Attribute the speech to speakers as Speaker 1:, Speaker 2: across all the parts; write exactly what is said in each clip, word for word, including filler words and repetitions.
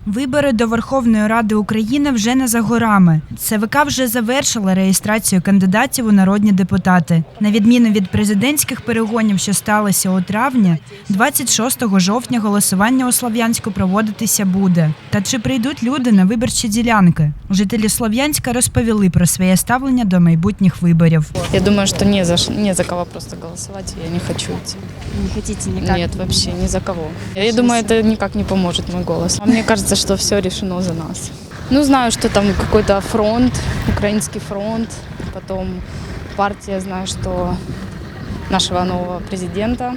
Speaker 1: Вибори до Верховної Ради України вже не за горами. ЦВК вже завершила реєстрацію кандидатів у народні депутати. На відміну від президентських перегонів, що сталося у травні, двадцять шостого жовтня голосування у Слов'янську проводитися буде. Та чи прийдуть люди на виборчі ділянки? Жителі Слов'янська розповіли про своє ставлення до майбутніх виборів.
Speaker 2: Я думаю, что не за, не за кого просто голосовать, я не хочу идти.
Speaker 3: Не хотите никак?
Speaker 2: Нет, вообще ни за кого. Я думаю, это никак не поможет мой голос. А мне кажется, что все решено за нас. Ну, знаю, что там какой-то фронт, украинский фронт, потом партия, знаю, что нашего нового президента,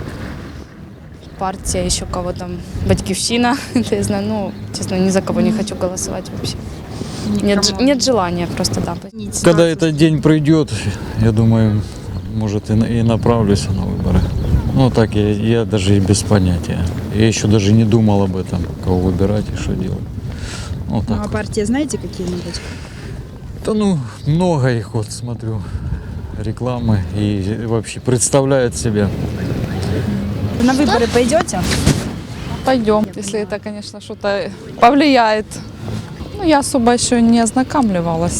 Speaker 2: партия еще кого там, Батьківщина, это я знаю, ну, честно, ни за кого не хочу голосовать вообще. Нет, нет желания просто, да.
Speaker 4: Когда этот день придет, я думаю, может, и направлюсь на выборы. Ну, так я, я даже и без понятия. Я еще даже не думал об этом, кого выбирать и что делать. Ну, так.
Speaker 3: Ну, а партии знаете какие-нибудь?
Speaker 4: Да ну, много их, вот смотрю, рекламы и вообще представляют себя.
Speaker 3: На выборы пойдете?
Speaker 5: Пойдем, если это, конечно, что-то повлияет. Ну, я особо еще не ознакомливалась.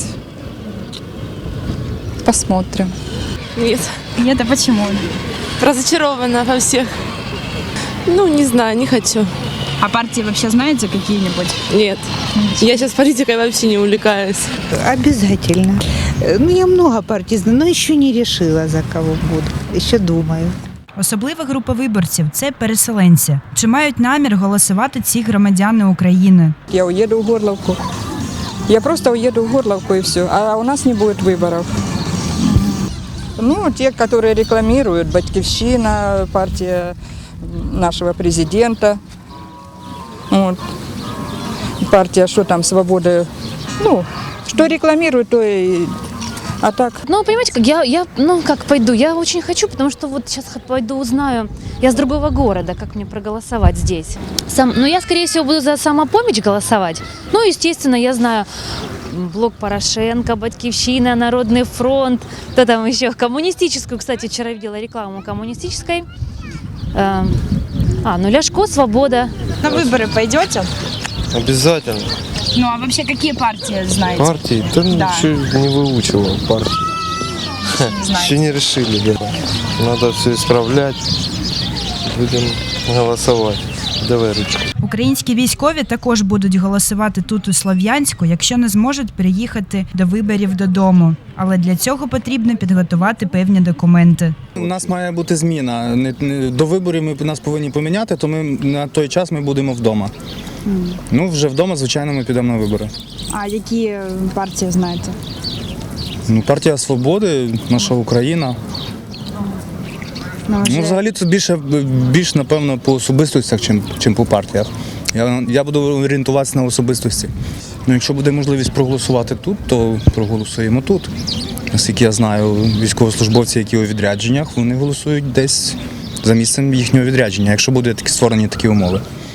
Speaker 5: Посмотрим.
Speaker 6: Нет,
Speaker 3: Нет, а почему?
Speaker 6: разочарована во всех. Ну, не знаю, не хочу.
Speaker 3: А партии вообще знаете какие-нибудь?
Speaker 6: Нет, я сейчас политикой вообще не увлекаюсь.
Speaker 7: Обязательно. Ну, я много партий знаю, но еще не решила, за кого буду. Еще думаю.
Speaker 1: Особлива група виборців – це переселенці. Чи мають намір голосувати ці громадяни України?
Speaker 8: Я уеду в Горловку. Я просто уеду в Горловку и все. А у нас не будет выборов. Ну, те, которые рекламируют, Батьківщина, партия нашего президента. Вот. Партия, что там, свобода. Ну, что рекламируют, то и... А так...
Speaker 9: Ну, понимаете, как я, я, ну, как пойду, я очень хочу, потому что вот сейчас пойду узнаю, я с другого города, как мне проголосовать здесь. Сам, ну, я, скорее всего, буду за самопомощь голосовать. Ну, естественно, я знаю блок Порошенко, Батьківщина, Народный фронт, кто там еще, коммунистическую, кстати, вчера видела рекламу коммунистической. Э, а, ну, Ляшко, Свобода.
Speaker 3: На выборы пойдете?
Speaker 10: Обязательно.
Speaker 3: Ну, а вообще какие партии знаете?
Speaker 10: Партии? Да,
Speaker 3: Да.
Speaker 10: еще не выучивал партии. Еще не решили, да. Надо все исправлять. Будем голосовать. Давай ручку.
Speaker 1: Українські військові також будуть голосувати тут у Слов'янську, якщо не зможуть приїхати до виборів додому. Але для цього потрібно підготувати певні документи.
Speaker 11: У нас має бути зміна. Не- не- До виборів ми нас повинні поміняти, то ми на той час ми будемо вдома. Ну, вже вдома, звичайно, ми підемо на вибори.
Speaker 3: А какие партии знаете?
Speaker 11: Ну, партія Свободи, наша Україна.
Speaker 3: Ну,
Speaker 11: Ну,
Speaker 3: уже-
Speaker 11: взагалі це більше, більш, напевно, по особистостях, чим, чим по партіях. Я, я буду орієнтуватися на особистості. Ну, якщо буде можливість проголосувати тут, то проголосуємо тут. Наскільки я знаю, військовослужбовці, які у відрядженнях, вони голосують десь за місцем їхнього відрядження, якщо будуть такі створені такі умови.